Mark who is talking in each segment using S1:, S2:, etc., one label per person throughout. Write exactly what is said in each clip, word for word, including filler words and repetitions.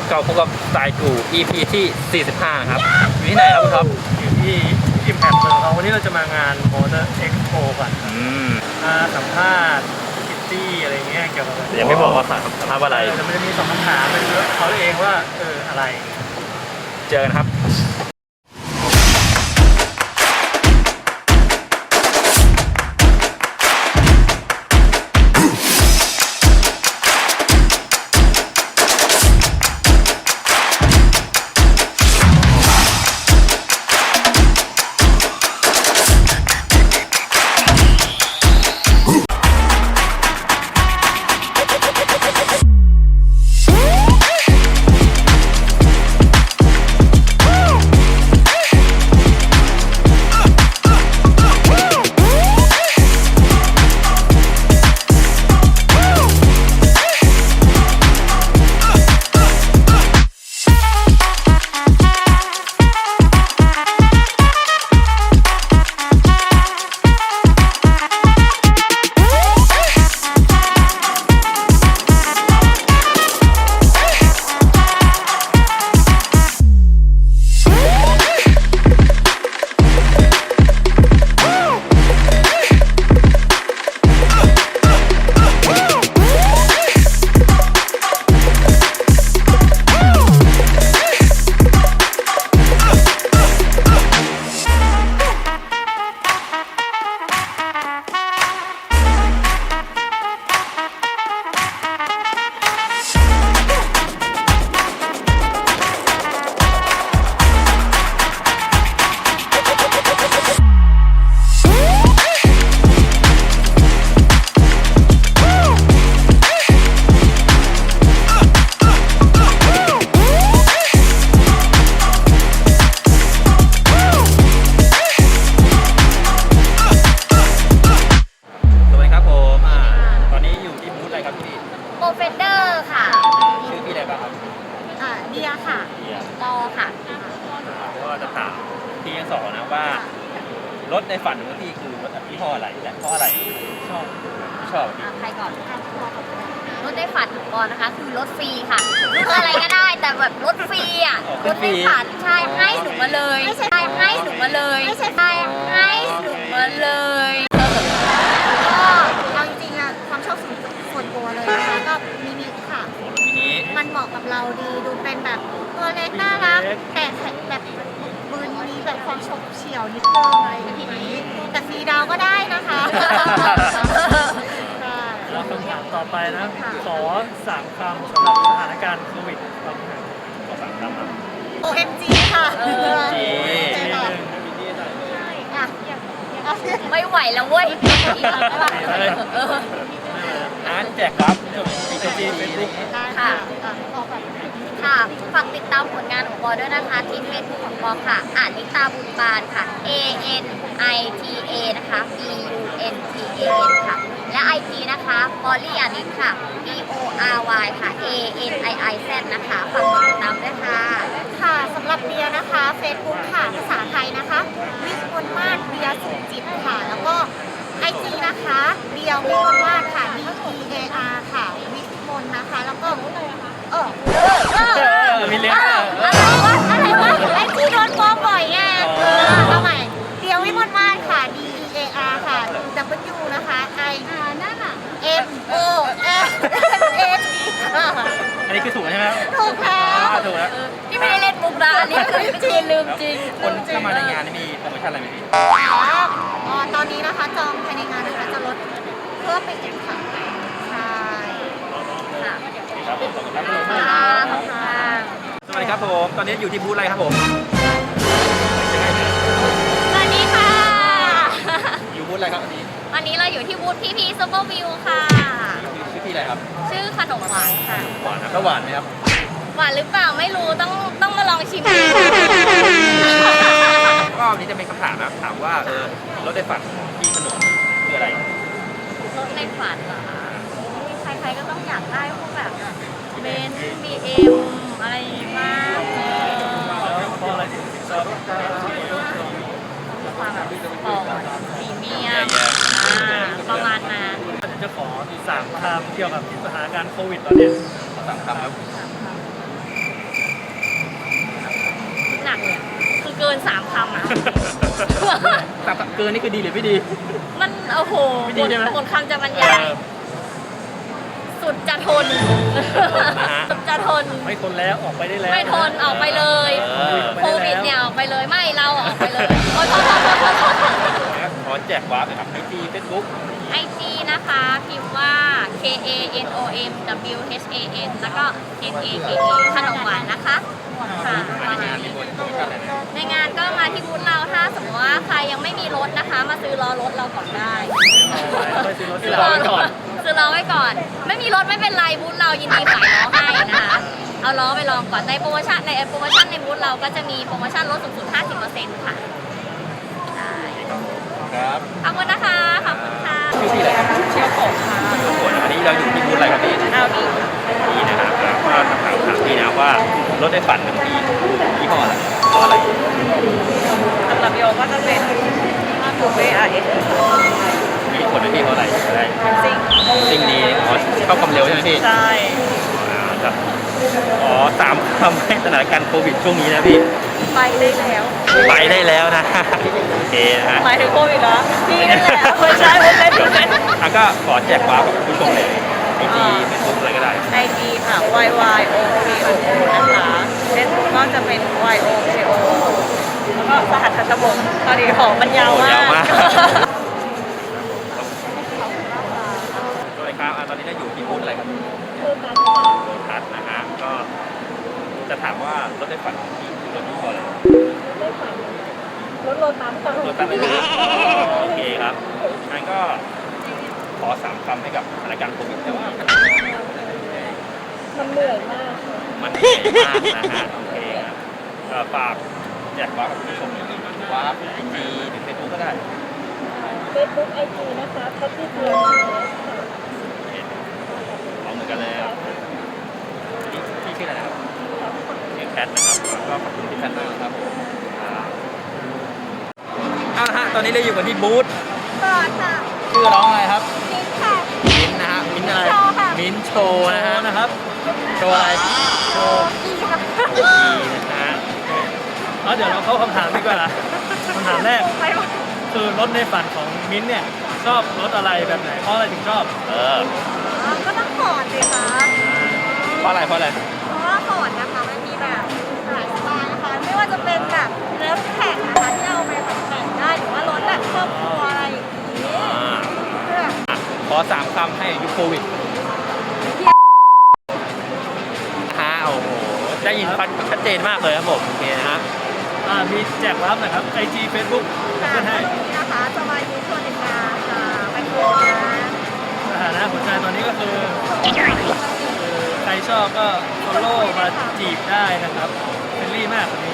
S1: ก็พบกับสายกู อี พี ที่ สี่สิบห้า ครับอยู่ที่ไหนครับคุณท็อป
S2: อยู่ที่อิมแพคเมืองทองวันนี้เราจะมางาน Motor Expo กันมาสัมภาษณ์คิตตี้อะไรเงี้ยเกี่ยวกับ
S1: ยังไม่บอกว่าสัมภาษณ์อะไร
S2: แต่มันจะมีสองคำถามเป็นเขาเองว่าเอออะไร
S1: เจอกันครับรถในฝันของพี่คือรถยี่ห้ออะไรและเพราะอะไรชอบชอบ
S3: ใครก่อนรถในฝันของกอนนะคะคือรถฟรีค่ะรถอะไรก็ได้แต่แบบรถฟรีอ่ะรถในฝันใช่ให้หนูมาเลยไม่ใช่ให้หนูมาเลยไม่ใช่ให้หนูมาเลยก็เอาจริงๆอะความชอบส่วนตัวเลยนะคะก็มินิค่ะ
S1: มินิ
S3: มันเหมาะกับเราดีดูเป็นแบบตัวเล็กน่ารักแต่แบบมือนี้แบบความฉกเฉี่ยวนิดนึงอะไรทีนี้แต่สีดาวก็ได้นะคะ
S2: แล้วคำถามต่อไปนะขอสามคำสำหรับสถานการณ์โควิดตอนนี้
S1: ขอสามคำครับ
S3: โอ เอ็ม จี ค่ะ
S1: โอ เอ็ม จี
S3: ไม่ไหวแล้วเว้ย
S1: อ่านแจกครับจบอีกทีเฟซบุ๊ก
S3: ค่ะค่ะฝากติดตามผลงานของปอด้วยนะคะที่เฟซบุ๊กของปอค่ะอานิตาบุญบานค่ะ A N I T A นะคะ B U N T A N ค่ะและ ไอ จี นะคะปอลี่อานิตค่ะ P O R Y ค่ะ A N I I Z นะคะฝากติดตามด้วยค่ะค่ะสำหรับเบียร์นะคะเฟซบุ๊กค่ะภาษาไทยนะคะวิมลมาศเบียร์สุขจิตค่ะแล้วก็ ไอ จี นะคะเบียร์วิมลมาศค่ะ D E A R ค่ะวิมลนะคะแล้วก็เออเออ
S1: มีเลี้ยง
S3: อะไรวะอะไรวะไอจีโดนฟ้องบ่อยไงเออเอาใหม่เดียววิมลมาศค่ะ D E A R ค่ะ W นะคะ I นั่นอ่ะ M O S A T
S1: อันนี้คือถูกใช่ไหม
S3: ถูกแล้ว
S1: ถูกแล้ว
S3: ที่ไม่ได้เล่นมุกนะอันนี้คือจริงลืมจริง
S1: คนเข้ามาในงานนี่มีโปรโมชั่นอะไรไหมพี่
S3: อ๋อตอนนี้นะคะจองภายในงานนะคะจะลดเพิ่มไปอีกค่ะใช่ค่ะ
S1: ครับผมขอบคุณครับสวัสดีครับผม ตอนนี้อยู่ที่บูธอะไรครับผม
S3: สวัสดีค่ะ
S1: อยู่บูธอะไรครับวันนี้
S3: วันนี้เราอยู่ที่บูธพี่พีซูเปอร์วิวค่ะ
S1: ชื่อพี่อะไรครับ
S3: ชื่อขนมหวานค่ะ
S1: หวานนะก็หวานไหมครับ
S3: หวานหรือเปล่าไม่รู้ต้องต้องมาลองชิม
S1: ก็วันนี้จะเป็นคำถามนะถามว่าเออรถในฝันพี่ขนมคืออะไร
S3: รถในฝันเหรอใครๆก็ต้องอยากได้พวกแบบเบนซ์ บี เอ็ม อะไรมาก
S2: เพราะอะไรถึงชอบ
S3: ความแบบปอดพรีเมียมประมาณนั้น
S2: จะขอสามคำเกี่ยวกับสถานการณ์โควิดตอนนี้
S1: สามคำครับเกินนี่คือดีหรือไม่ดี
S3: มันโอ้โห
S1: ไม่ดีใช่ไหม
S3: หมดคำจะบรรยาย สุดจะทน สุดจะทน
S2: ไม่ทนแล้วออกไปได้แล้ว
S3: ไม่ทนออกไปเลย
S1: เออ
S3: โควิดเนี่ยออกไปเลยไม่เราออกไปเลยโอ้ยโทษโทษโทษโทษโทษโทษ
S1: ขอแจกวาร์ปหนะครับไอจีเฟซบุ๊ก
S3: ไอจีนะคะพิมพ์ว่า K A N O M W H A N แล้วก็ N A K A ขนมหวานนะคะค่ะ
S1: มาในงานมีโปรโมชั่นอะไรนะ
S3: ในงานก็มาที่บูธเราถ้าสมมติว่าใครยังไม่มีรถนะคะ มาซื้อล้อรถเราก่อนได้
S2: ไปซื้อรถ
S1: ซื้
S2: ที่
S1: อ
S2: เรา
S1: ล้อไว้ก่อน
S3: ซื้อล้อไว้ก่อน ไม่มีรถไม่เป็นไรบูธเรายินดีขายล้อให้นะคะเอาล้อไปลองก่อนในโปรโมชั่นในโปรโมชั่นในบูธเราก็จะมีโปรโมชั่นลดสูงสุด ห้าสิบเปอร์เซ็นต์ ค่ะได้
S1: ครับ
S3: ขอบคุณนะคะขอบคุณค่ะ
S1: ชื่อพี่อะไรครับ
S3: ชื่อผมค่ะ
S1: ทุกคนอันนี้เราอยู่ที่บูธอะไรครับพี่
S3: เอาดี
S1: นี่นะครับแล้วก็ถามถามพี่นะว่ารถในฝันของพี่ยี่ห้ออะไรล้ออะไร
S4: สำหรับโยก็จะเป็นทูเบอาร์เอส
S1: มีคนเป็นพี่เขาอะไรได้
S4: ซิง
S1: สิ่งนี้อ๋อเข้าความเร็วใช่ไหมพี่
S4: ใช่
S1: อ่าครับอ๋อสามคำให้สถานการณ์โควิดช่วงนี้นะพี่
S4: ไปได้แล้ว
S1: ไปได้แล้วนะ โอเคนะฮะ
S4: หมายถึงโควิดเหรอพี่นั่นแหละไม่ใช่ไม่ใช่ไม่ใช่
S1: อ่ะก็ขอแจกวาร์ปกับผู้ชมเลยไอจีเฟซบุ๊กอะไรก็ได้
S4: ไอจีค่ะ y y o k o นะคะเฟซบุ๊กก็จะเป็น y o k o แล้วก็สหัสทัชบงตอนนี้ของมันยาว
S1: โอ้
S4: มาย
S1: าว
S4: ก
S1: มาก สวัสดีครับอ่ะตอนนี้เราอยู่ที่บูธอะไรครับโลทัสนะฮะก็จะถามว่ารถในฝันของพี่คือรถยี่ห้ออะไร
S4: รถโลตัสค่ะ
S1: รถตั้งเลยนะโอเคครับงั้นก็ขอสามคำให้กับสถานการณ์โควิดแต่ว่า
S4: มันเหนื่อยมาก
S1: มันเหนื่อยมากนะฮะโอเคครับเอ่อฝากแจกวาร์ปกับผู้ชมหน่อยวาร์ปไอจีหรือเฟซบุ๊กก็ได้
S4: เฟซบุ๊กไอจีนะคะแพทตี้เพียร์
S1: เอาเหมือนกันเลยครับพี่พี่ชื่ออะไรนะครับชื่อแคทนะครับแล้วก็ขอบคุณพี่แคทมากนะครับอ่าเอาละฮะตอนนี้เราอยู่กันที่บูธ
S3: ก่อนค่ะ
S1: ชื่อร้องอะไรครับ
S3: นิดค่ะ
S1: มิ้นท์นะฮะมิ้นท์อะไร
S3: โชว์ค่ะ
S1: มิ้นท์โชว์นะฮะ
S2: นะครับ
S1: โชว์อะไรโชว์
S3: อีค่ะ
S1: ดีนะฮะ
S2: เอาเดี๋ยวเราเข้าคำถามดีกว่าคำถามแรก
S3: ไปหมด
S2: คือรถในฝันของมิ้นท์เนี่ยชอบรถอะไรแบบไหนเพราะอะไรถึงชอบ
S1: เออ
S3: อ๋อก็ต้องฟอร์ดสิคะ
S1: เพราะอะไรเพราะอะไร
S3: เพราะว่าฟอร์ดนะคะมันมีแบบหลายสไตล์นะคะ ไม่ว่าจะเป็นแบบรถแข่งนะคะที่เอาไปแบบแข่งได้หรือว่ารถแบบครอบครัวอะไรอย่างนี้
S1: อ่า
S3: คือแบบ
S1: อ่ะขอสามคำให้ยุคโควิดฮะโอ้โหได้ยินชัดเจนมากเลยครับผมโอเคนะฮะ
S2: อ่ามีแจกรับหนะครับไอจีเฟซบุ๊ก
S3: ค่ะ
S2: ขึ้นให้
S3: วันนี้นะคะจะมายูชวนในงานค่ะไปโคนะ
S2: สถานะหัวใจตอนนี้ก็คือคือใครชอบก็ฟอลโล่มาจีบได้นะครับเฟรนลี่มากวันนี้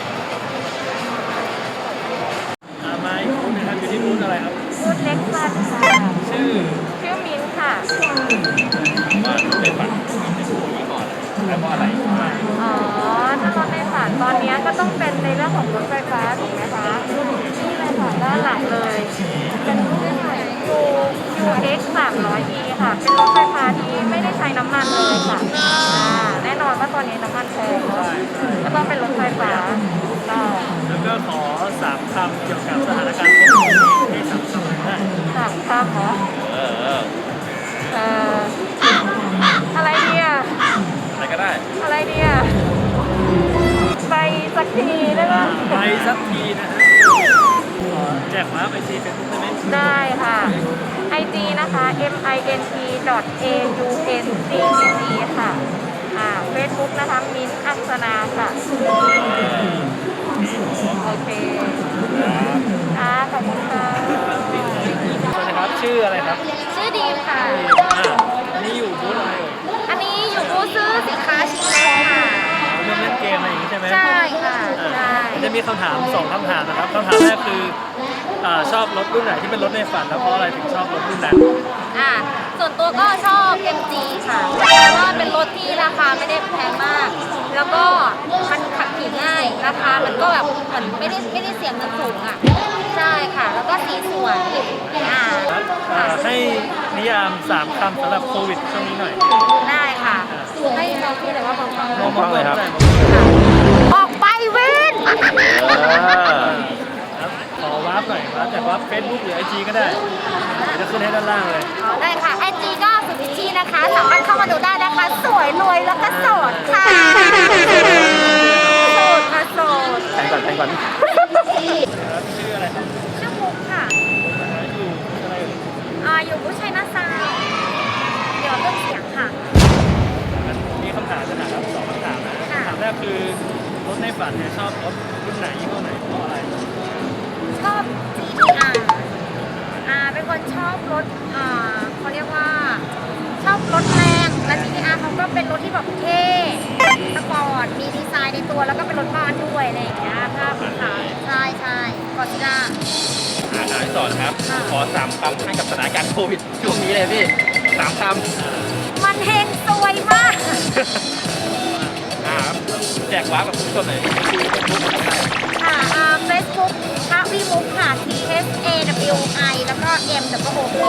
S2: อ่ามาอีกบูธหนึงครับอยู่ที่บูธอะไรครับ
S3: บูธเล็กซันค่ะ
S2: ชื่อ
S3: ชื่อมิ้นท์ค่ะ
S1: ว่าเป็นฝันเป็นผู้ยี่ห้ออะไรและเพราะอะไร
S3: อ๋อ ถ้ารถในฝันตอนนี้ก็ต้องเป็นในเรื่องของรถไฟฟ้าถูกไหมคะนี่เลยค่ะด้านหลังเลย เป็นรุ่น U ยู เอ็กซ์ สามร้อย อี ค่ะ เป็นรถไฟฟ้าที่ไม่ได้ใช้น้ำมันเลยค่ะอ่าแน่นอนว่าตอนนี้น้ำมันแพงเนาะก็ต้องเป็นรถไฟฟ้าต่อ
S2: แล้วก็ขอสามคำเกี่ยวกับสถานการณ์โควิดให้สามคำได้
S3: สามคำเหรอ
S1: เออเออ
S3: เอ่ออะไรเนี่ย
S1: อะไรก็ได้
S3: อะไรเนี่ยไปสักทีได้ปะ
S2: ไปสักทีนะฮะขอแจกมาไอจีเฟซบุ๊กได้ไหม
S3: ได้ค่ะ ไอ จี นะคะ m i n t dot a u n c c c ค่ะ อ่า Facebook นะคะ มิ้นท์อักษณาค่ะ โอเคค่ะขอบคุณค่ะ
S2: สวัสดีครับชื่ออะไรครับ
S3: ชื่อดีมค่ะ
S2: อ่าอันนี้อยู่บูธอะไรเอ่ย
S3: อันนี้อยู่บูธซื้อสินค้าชิ้นแรกค่ะ
S2: เรื่องเล่นเกมอะไรอย่างนี้ใช่ไหม
S3: ใช่ค่ะ
S2: อ่า
S3: ใช่
S2: มันจะมีคำถามสองคำถามนะครับคำถามแรกคืออ่าชอบรถรุ่นไหนที่เป็นรถในฝันแล้วเพราะอะไรถึงชอบรถรุ่นนั้น
S3: อ่า ส่วนตัวก็ชอบ เอ็ม จี ค่ะ เพราะว่าเป็นรถที่ราคาไม่ได้แพงมาก แล้วก็มันขับขี่ง่าย ราคามันก็แบบเหมือนไม่ได้ไม่ได้เสียเงินสูงอ่ะ ใช่ค่ะ แล้วก็สีสวย อ่า
S2: อ่าให้นิยามสามคำสำหรับโควิดช่วงนี้หน่อย
S3: ได้ค่ะ ให้เราพูดเลยว่าบางครั้ง
S2: มองมองเลยครับ
S3: ออกไปเว้น
S1: เออ
S2: ครับขอวาร์ปหน่อยว่าแจแต่ว่า Facebook หรือ ไอ จี ก็ได้เดี๋ยวจะขึ้นให้ด้านล่างเลย
S3: อ๋อได้ค่ะไอจีก็สุพิชชีนะคะสามารถเข้ามาดูได้นะคะ สวยรวยแล้วก็โสดค่ะโสดค่ะโสด
S1: แทงก่อนแทงก่อน
S2: ชื่ออะไรครับ
S3: ชื่อมุกค่ะ
S2: อยู่อะไรเอ่ย
S3: อ่าอยู่ผู้ชัยนาซาวด์เดี๋ยวเครื่องเสียงค่ะ
S2: มีคำถามจะถามครับสองคำถามนะ
S3: ค่ะ
S2: คำถามแรกคือรถในฝันเนี่ยชอบรถรุ่นไหนยี่ห้อไหนเพราะอะไร
S3: ชอบ จี ที อาร์ อ่าเป็นคนชอบรถอ่าเขาเรียกว่า ชอบรถแรงและ จี ที อาร์ เขาก็เป็นรถที่แบบเท่สปอร์ตมีดีไซน์ในตัวแล้วก็เป็นรถบ้านด้วยอะไรอย่างเงี้ยภาพขาวใช่ใช่กอซิล่า
S1: อาถามที่สอนครับ
S3: ค่ะ
S1: ขอสามคำให้กับสถานการณ์โควิดช่วงนี้เลยพี่สามค
S3: มันเฮงซวยมาก
S1: ำอ่าครับแจกว้าร์ปกับคุณผู้ชมหน่อยคุยเฟซบุ๊กอะไร
S3: ค่ะอ่า Facebook พระวิมุขค่ะ T H A W I แล้วก็ M W O K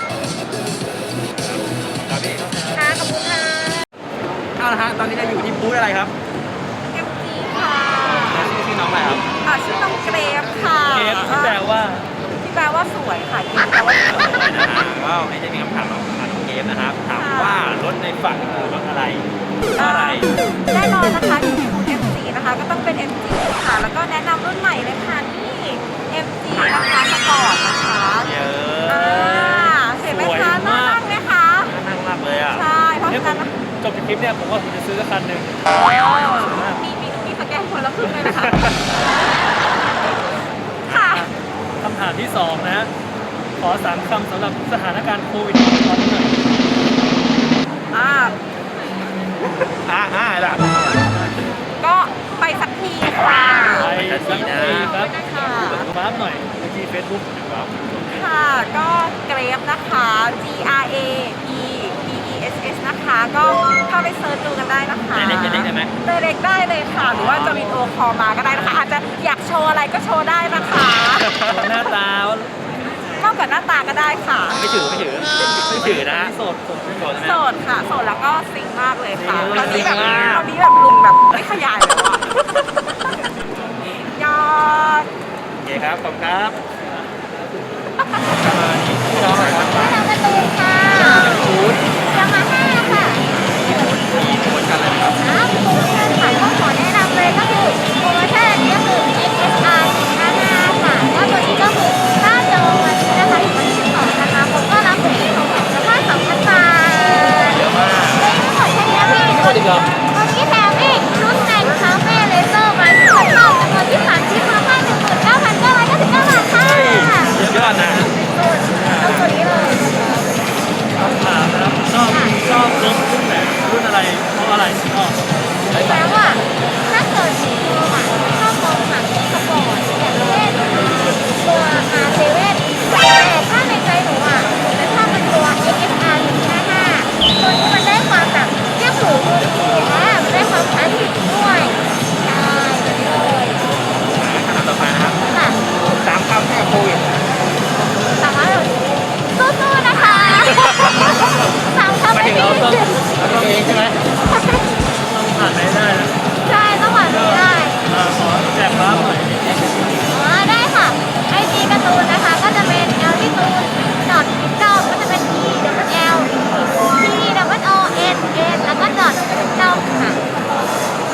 S1: ครับพี่
S3: ค่ะขอบคุณค่ะ
S1: เอาละฮะตอนนี้เราอยู่ที่บูธอะไรครับ
S4: เอฟซีค่ะ
S1: แล้วชื่อชื่อน้องอะไรครับ
S4: อ่าชื่อน้องเกรฟค่ะ
S2: เกฟที่แปลว่า
S4: ที่แปลว่าสวยค่ะที่แปลว่าสวย
S1: นะฮะก็ให้ได้มีคำถามของทางน้องเกมนะครับ ถามว่ารถในฝันคือรถอะไรเพราะอะไร
S4: แน่นอนนะคะที่เป็นบูธ เอ็ม จี นะคะก็ต้องเป็น เอ็ม จี ค่ะ แล้วก็แนะนำรุ่นใหม่เลยค่ะนี่ เอ็ม จี นะคะสปอร์ตนะคะ
S1: เยอ
S4: อ่า
S1: ะ
S4: เห็นไหมคะน่ารักไหมคะ
S1: น่านั่งมากเลยอ่ะ
S4: ใช่เพราะ
S2: เนี่ย
S4: ฉะ
S2: ผ
S4: นั้น
S2: มจบจากคลิปเนี่ยผมว่าผมจะซื้อสักคันหนึ่ง
S4: มีมีมีสแกนคนละครึ่งเลยนะคะ ค่ะ
S2: คำถามที่สองนะฮะขอสามคำสำหรับสถานการณ์โควิดตอนนี้หน่อย
S4: อ่า
S1: อ่าอ่าล่ะ
S4: ก็ไปสักทีค่ะ
S2: ไปสักทีครับ
S4: ค่ะ
S2: ฟ้าร์ปหน่อยไอจีเฟซบุ๊กครับ
S4: ค่ะ ก็เกรฟนะคะ G R A P P E S S นะคะ ก็เข้าไปเซิร์ชดูกันได้นะคะ
S1: เล็กๆเล็กๆได้ไหม
S4: เล็กๆได้เลยค่ะ หรือว่าจะมีตัวคอลมาก็ได้นะคะ อาจจะอยากโชว์อะไรก็โชว์ได้นะคะ
S2: หน้าตาว่าน
S4: อกจากหน้าตาก็ได้ค่ะ
S1: ไม่ถือไม่ถือไม่ถือนะฮะ
S2: โสดโสด
S1: โสดใช่ไหม
S4: โสดค่ะ โสดแล้วก็ซิงมากเลยค่ะ
S2: ซิง
S4: ตอนนี้แบบ
S1: ซิงมาก
S4: ตอนนี้แบบลุงแบบไม่ขยายแล้วอะยอด
S1: โอเคครับขอบคุณครับประมาณนี้พี่น้องอะไรครับ
S3: ทางประตูค่ะ
S1: บูธ
S3: ยามาฮ่าค่ะ
S1: มีโปรโมชั่นอะไรไหมครับ
S3: อ่าโปรโมชั่นค่ะก็ขอแนะนำเลยก็คือโปรโมชั่นอันนี้ก็คือ เอ็กซ์ เอส อาร์ สี่ห้าห้า ค่ะแล้วตัวนี้ก็คือถ้าจองวันนี้นะคะถึงวันที่สิบสองนะคะผมก็รับฟรีของผมสภาพสองพันบาท
S1: เยอะมาก
S3: ไม่ทั้งหมดแค่นี้พี่
S1: ไม่หมดอีกเหรอ
S3: วันนี้แถมอีกชุดแต่งคาเฟ่เลเซอร์มาที่ผมชอบจำนวนที่สามชิ้นมูลค่าหนึ่งหมื่นเก้าพันเก้าร้อยเก้าสิบเก้าบาทค่ะ
S1: สุดยอดนะ
S3: เอาตัวนี้เลย
S2: คำถามนะครับชอบชอบรถรุ่นไหนรุ่นอะไรเพราะอะไรชอบ
S3: แล้วอ่ะถ้าเกิดสีทองอ่ะชอบมองหนังสปอร์ตอย่างเช่นตัว อาร์ เซเว่น แต่ถ้าในใจหนูอ่ะหนูจะชอบเป็นตัว เอ็กซ์ เอส อาร์ สี่ห้าห้า ตัวนี้มันได้ความแบบเรียบหรูดูดีอ่ะมันได้ความคลาสสิกด้วยใช่แบบนี้เลย
S1: คำถามต่อไปนะครับ
S3: ค่ะ
S1: สามคำให้กับโควิด
S3: สามารถสู้ๆนะคะสามคำ
S1: หมาย
S3: ไม่
S1: ถึง
S3: มี
S1: เราต้องเราต้องเองใช่ไหม
S2: ต้องผ่านไหนได้นะ
S3: ใช่ต้องหวานไม่ได้
S2: อ่าขอแจกฟ้าร์ปหน่อย
S3: อ๋อได้ค่ะไอจีการ์ตูนนะคะก็จะเป็น l ที่ตูนดอทพิกเกิลก็จะเป็น e w l t w o n n แล้วก็ดอทพิกเกิลค่ะขอบ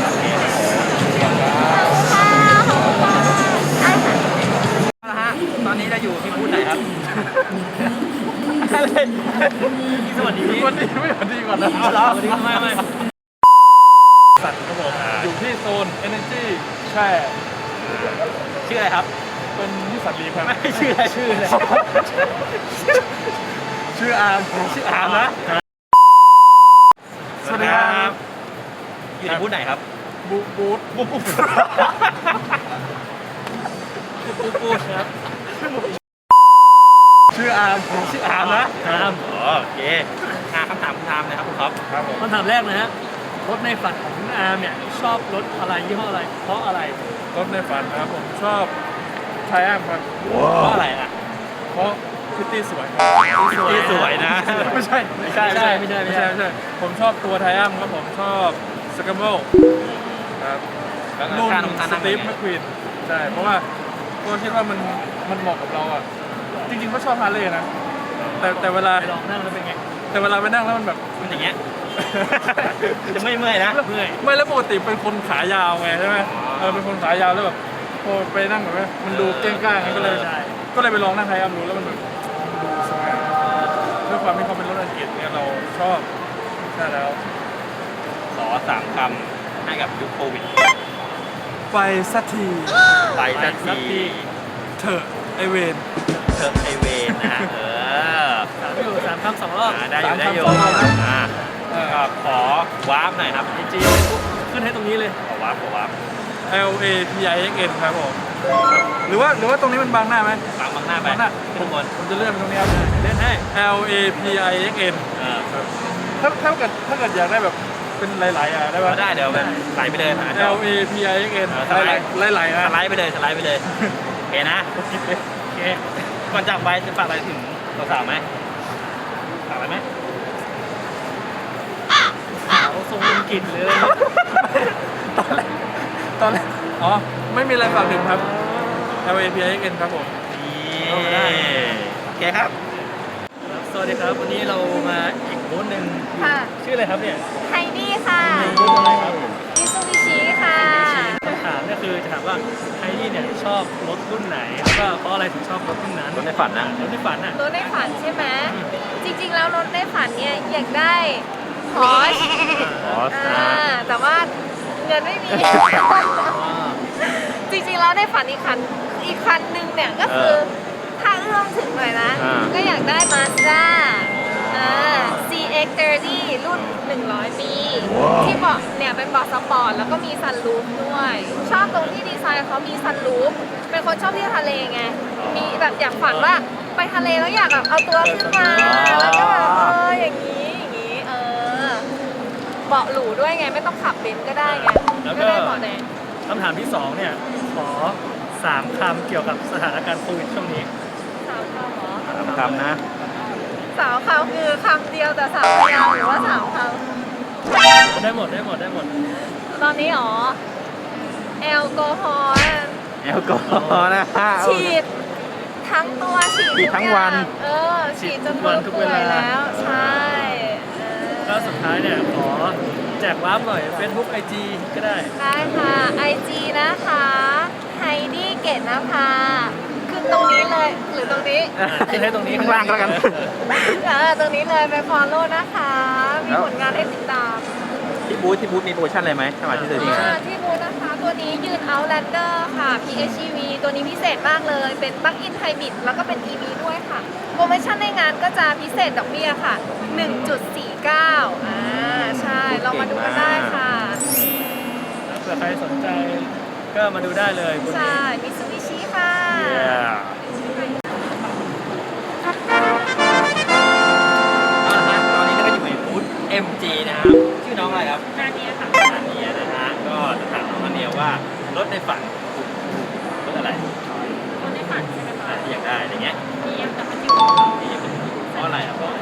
S3: คุณค่ะขอบคุณค่ะได้ค่ะ
S1: เอาละฮะตอนนี้เราอยู่ที่บูธไหนครับ
S2: สวัสดี
S1: สวัสดีไม่สวัสดีก่อนนะเอาเหรอ
S2: สวัสดีไม่ไม่
S1: สัตว์ครับผม
S2: อยู่ที่โซน Energy ใช่
S1: ชื่ออะไรครับ
S2: เป็นนิสสันลีครับ
S1: ไม่ชื่ออะไรชื่ออะไรชื่ออาร์มชื่ออาร์มนะ
S2: สวัสดีครับ
S1: อยู่ในบูธไหนครับ
S2: บูบูธ
S1: บูธบูธบูธบูธครับชื่ออาร์มชื่ออาร์มนะครับ อ๋อโอเคอ่าคำถามคุณทามนะครับคุณท็อปครับผม
S2: คำถามแรกนะฮะรถในฝันของคุณอาร์มเนี่ยชอบรถอะไรยี่ห้ออะไร เพราะอะไร
S5: รถในฝันนะครับผมชอบไทอัมครับ
S1: เพราะอะไรอ่ะ
S5: เพราะพิตตี้สวย
S1: ที่สวยนะ
S5: ไม่ใช่
S1: ไม่ใช่
S2: ไม่ใช่ไม่ใช่
S5: ไม่ใช่ไม่ใช่ผมชอบตัวไทอัมครับผมชอบสกัมเบิลครับ
S1: แล้ว
S5: รุ่น
S1: การทำ
S5: ส
S1: นั่ง
S5: ตี
S1: เป็นไง
S5: ฟแมคควีนใช่เพราะว่าก็คิดว่ามันมันเหมาะกับเราอ่ะจริงๆก็ชอบฮาร์เลย์นะแต่แต่เวลา
S2: ไปลองนั่งแล้วเป็นไง
S5: แต่เวลาไปนั่งแล้วมันแบบ
S1: มันอย่างเงี้ย จะไม่เมื่อยนะ
S2: เมื่อย
S5: ไม่แล้วปกติเป็นคนขายาวไงใช่ไหมเออเป็นคนขายาวแล้วแบบพอไปนั่งแบบว่ามันดูเก้งก้างไงก็เลย
S2: ใช่
S5: ก็เลยไปลองนั่งไทยอัมดูแล้วมันแบบดูสวยด้วยความที่เขาเป็นรถอังกฤษเนี่ยเราชอบใช่แล้ว
S1: ขอสามคำให้กับยุคโควิด
S5: ไปสักที
S1: ไปสักที
S5: เถอะไอเวน
S1: เธอไอเวนนะเออ
S2: สามอยู่สามคำสองรอบ
S1: อ่าได้อยู่ได้อยู่อ่าก็ขอวาร์ปหน่อยครับ
S2: ไอจีขึ้นให้ตรงนี้เลย
S1: ขอวาร์ปขอวาร์ป
S5: L A P I X N ครับผมหรือว่าหรือว่าตรงนี้มันบังหน้าไหม
S1: บังบังหน้าไป
S5: บังหน้า
S1: ทุกคน
S5: ผมจะเลื่อนไปตรงนี้ครับเล่นให้ L A P I X N
S1: เออ
S5: ถ้าถ้าเกิดถ้าเกิดอยากได้แบบเป็นหลายๆอ่ะได้
S1: ก็
S5: ปะ
S1: ได้เดี๋ยวแบบไหลไปเลยหาจอ
S5: L A P I X N
S1: เออสไลด์
S5: หลายๆ
S1: ส
S5: นะ
S1: ไลด์ไปเลยสไลด์ไปเลยโอเคนะ
S2: โอเค
S1: ก่อนจากไปจะฝากอะไรถึงสาวๆไหมฝากอะไรไหม
S2: สาวทรงลุงกินเลย
S5: ตอนแรกตอนแรกอ๋อไม่มีอะไรฝากถึงครับ L A P I X N ครับผม
S1: นี่โอเคครับ
S2: สวัสดีครับวันนี้เรามาอีกบูธหนึ่ง
S3: ค่ะ
S2: ชื่ออะไรครับเนี่ย
S3: ไฮดี้ค่ะ
S2: บูธอะไรครับ
S3: มิซูบิชิค่ะ
S2: คำถามก็คือจะถามว่าไฮดี้เนี่ยชอบรถรุ่นไหนแล้วก็เพราะอะไรถึงชอบรถรุ่นนั้น
S1: รถในฝันนะ
S2: รถในฝันอ่ะ
S3: รถในฝันใช่ไหม จริงๆ แล้วรถในฝันเนี่ยอยากได้พอร์ช
S1: อ๋อ
S3: อ่าแต่ว่าเงินไม่มี จริงๆ แล้วในฝันอีกคันอีกคันหนึ่งเนี่ยก็คือถ้าเอื้อมถึงหน่อยนะ ก็อยากได้ Mazda อ่า ซี เอ็กซ์ สามสิบ รุ่น หนึ่งร้อย ปี ที่เบาะเนี่ยเป็นเบาะสปอร์ตแล้วก็มีซันรูฟด้วย ชอบตรงที่ดีไซน์เขามีซันรูฟเป็นคนชอบเที่ยวทะเลไง มีแบบอยากฝันว่าไปทะเลแล้วอยากแบบเอาตัวขึ้นมา แล้วก็แบบเอออย่างนี้อย่างนี้เออเบาะหรูด้วยไงไม่ต้องขับเบนซ์ก็ได้ไง
S2: แล้ว
S3: ก็
S2: ก็
S3: ได้เบาะแดง
S2: คำถามที่สองเนี่ยขอสามคำเกี่ยวกับสถานการณ์โควิดช่วงนี้
S3: สาวคำเหรอ
S1: สามคำนะ
S3: สาวคำคือคำเดียวแต่สาวพยางค์หรือว่าสาวค
S2: ได้หมดได้หมดได้หมด
S3: ำตอนนี้อ๋อแอลกอฮอล์น่ะ
S1: แอลกอฮอล์นะฮะ
S3: ฉีดทั้งตัวฉีด
S1: ฉีดทั้งวัน
S3: ทุกอย่างเออฉีดจนตัวเปื่อยแล้ว ใช่เออ
S2: แล้วสุดท้ายเนี่ยขอแจกวาร์ปหน่อย Facebook ไอ จี ก็ได้
S3: ได้ค่ะ ไอ จี นะคะไฮดี้เกตนภาขึ้นตรงนี้เลยหรือตรงนี้
S2: อ่ะขึ้นให้ตรงนี้
S1: ข้างล่างก็แล้วกัน
S3: เออตรงนี้เลยไปฟอลโล่นะคะ มีผลงานให้ติดตาม
S1: ที่บูธที่บูธมีโปรโมชั่นอะไรไหมถ้ามาที่เซอร์วิส
S3: อ่าที่บูธนะคะ ตัวนี้ยืน Outlander ค่ะ พี เอช อี วี ตัวนี้พิเศษมากเลย เป็นปลั๊กอินไฮบริดแล้วก็เป็น อี วี ด้วยค่ะ โปรโมชั่นในงานก็จะพิเศษดอกเบี้ยค่ะ หนึ่งจุดสี่เก้า อ่า ใช่ เรามาดูกันได้ค่ะ
S2: เผื่อใครสนใจก็มาดูได้เลยบน
S3: ใช่
S2: นี้
S3: มิซูบิชิค่ะ
S1: เอาละฮะตอนนี้เราก็อยู่ในบูธ เอ็ม จี นะครับ ชื่อน้องอะไรครับ
S3: นาเนียค่ะ
S1: นาเนียนะฮะ ก็จะถามน้องนาเนียว่ารถในฝันรถอะไร
S3: รถในฝันใช่ไหมคะ
S1: อ่ะที่อยากได้อะไรเงี้ย
S3: มียังแต่มันอยู่
S1: ที่อยากเป็นเพราะอะไรอ่ะเพราะ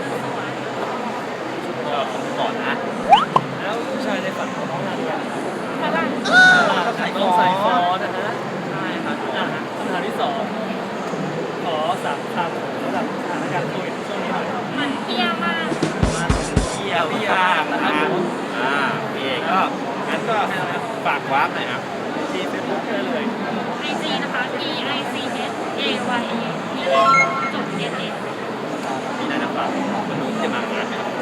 S1: ก็คงก่อนนะ
S2: แล้วผู้ชายในฝันของน้องนาเดีย
S3: ฝรั่ง
S1: ก็ใส่
S2: น้องใส่ฟ
S1: ฟ
S2: อ
S1: อ
S2: นะฮะ
S1: ใช่ครับ
S2: อ่ะคำถามที่สองขอสามคำสำหรับสถานการณ์โควิดช่วงนี้หน่อย
S3: มันเที่ยวมาก
S2: มา
S1: เที่ยวที่างนะครับผมอ่าโอเคก็งั้นก็ให้เราฝากวาร์ปหน่อยครับ
S2: ที่เฟซบุ๊กได้เลย
S3: ไอจีนะคะ E I C S A Y A P A จุด N S
S1: มีอะไรนะฝากมันรู้จะมางานไหมครับ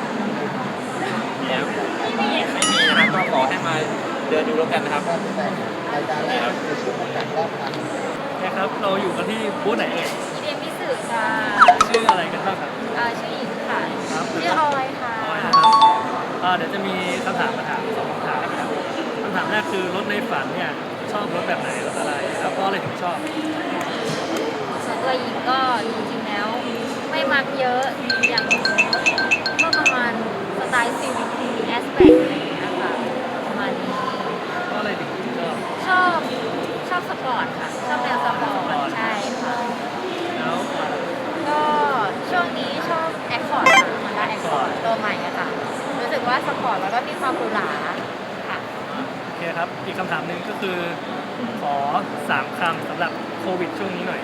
S1: เนี่ยไม่มีนะครับก็ขอให้มาเดินดูแล้วกันนะครับนี่ครับ
S2: นะครับ เราอยู่กันที่บูธไหนเอ่ย
S3: เรียนพิสื่อค่ะ
S2: ชื่ออะไรกันบ้างครับ
S3: อ่าชื่อหญิงค่ะ
S2: ครับ
S3: ชื่อออยค่ะ
S2: ออยนะครับอ่าเดี๋ยวจะมีคำถามมาถามสองคำถามนะครับคำถามแรกคือรถในฝันเนี่ยชอบรถแบบไหนรถอะไร แล้วเพราะอะไรถึงชอบ
S3: ส่วนตัวหญิงก็จริงๆแล้ว ไม่มักเยอะอย่างก็ประมาณสไตล์ซีวิคแอสเปกอะไรอย่างเงี้ยค่ะประมาณนี้
S2: เพราะอะไรถึงชอบ
S3: ชอบชอบสปอร์ตค่ะ ชอบแนวสปอร์ตใช่ค่ะ
S2: แล้วอ่า
S3: ก็ช่วงนี้ชอบแอคคอร์ดค่ะฮอนด้าแอคคอร์ดตัวใหม่อะค่ะ รู้สึกว่าสปอร์ตแล้วก็มีความหรูหราค่ะ
S2: โอเคคครับ อีกคำถามหนึ่งก็คือ ขอสามคำสำหรับโควิดช่วงนี้หน่อย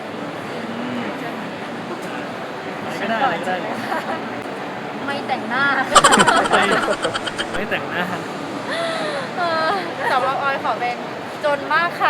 S2: ไม่ได้อะไรก็ได้
S3: ไม่แต่งหน้า
S2: ไม่ไม่แต่งหน้า
S3: เออ
S4: สำหรับออยขอเป็นจนมากค่ะ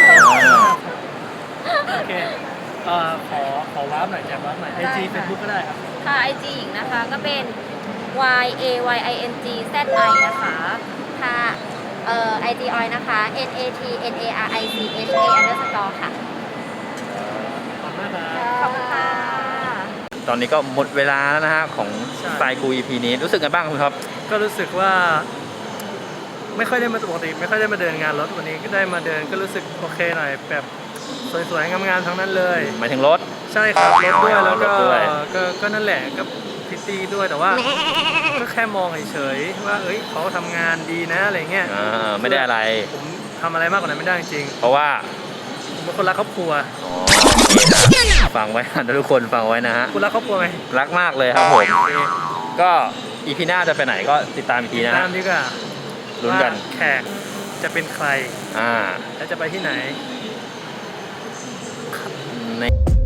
S2: โอเคเอ่อขอขอวาร์ปหน่อยแจกวาร์ปหน่อยไอจีเฟซบุ๊กก็ได้ครับ
S3: ค่ะ ไอ จี หญิงนะคะก็เป็น y a y i n g z i นะคะค่ะเอ่อ ไอ จี ออยนะคะ n a t n a r i c h a underscore ค่ะ
S2: ขอบคุณมากครับ
S3: ขอบคุณค่ะ
S1: ตอนนี้ก็หมดเวลาแล้วนะฮะของ
S2: ใช่
S1: สไตล์กู อี พี นี้รู้สึกไงบ้างคุณครับ
S2: ก็รู้สึกว่า ไม่ค่อยได้มาปกติไม่ค่อยได้มาเดินงานรถวันนี้ก็ได้มาเดินก็รู้สึกโอเคหน่อยแบบสวยๆงามๆทั้งนั้นเลย
S1: หมายถึงรถ
S2: ใช่ครับรถด้วยแล้วก็
S1: รถด้วย
S2: ก็ก็นั่นแหละก็พิตตี้ด้วยแต่ว่า ก็แค่มองเฉยๆว่าเอ้ยเขาทำงานดีนะอะไรเงี้ย
S1: อ่าไม่ได้อะไร
S2: ผมทำอะไรมากกว่านั้นไม่ได้จริง
S1: เพราะว่า
S2: ๆผมเป็นคนรักครอบครัว
S1: อ๋อโอเคนะฟังไว้นะทุกคนฟังไว้นะฮะ
S2: คุณรักครอบครัวไหม
S1: รักมากเลยครับผม ก็อีพีหน้าจะไปไหนก็ติดตามอีกทีนะ
S2: ตา
S1: ฮะ
S2: มดีกว่า
S1: ลุ้นกัน
S2: ว่าแขกจะเป็นใคร
S1: อ่า
S2: และจะไปที่ไหน
S1: ใน